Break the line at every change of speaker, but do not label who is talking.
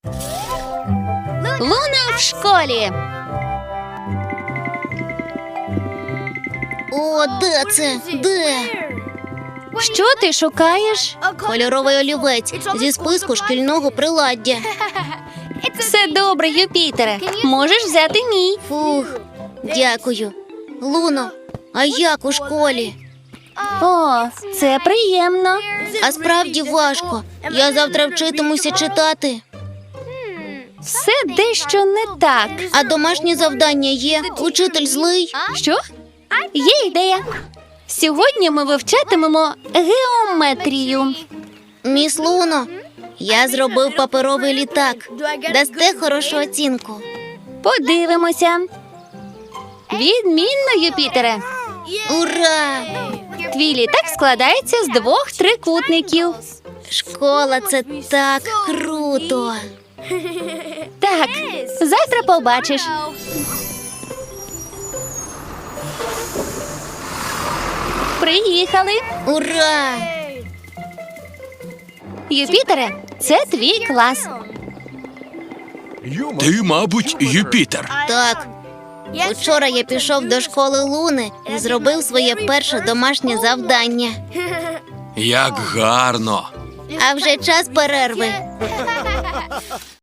Луна в школі.
О, де це? Де?
Що ти шукаєш?
Кольоровий олівець зі списку шкільного приладдя.
Все добре, Юпітере. Можеш взяти мій.
Фух, дякую. Луно, а як у школі?
О, це приємно.
А справді важко. Я завтра вчитимуся читати.
Все дещо не так.
А домашнє завдання є? Учитель злий?
Що? Є ідея. Сьогодні ми вивчатимемо геометрію.
Міс Луно, я зробив паперовий літак. Дасте хорошу оцінку.
Подивимося. Відмінно, Юпітере.
Ура!
Твій літак складається з 2 трикутників.
Школа – це так круто.
Так, завтра побачиш. Приїхали.
Ура!
Юпітере, це твій клас.
Ти, мабуть, Юпітер.
Так. Учора я пішов до школи Луни і зробив своє перше домашнє завдання.
Як гарно.
А вже час перерви.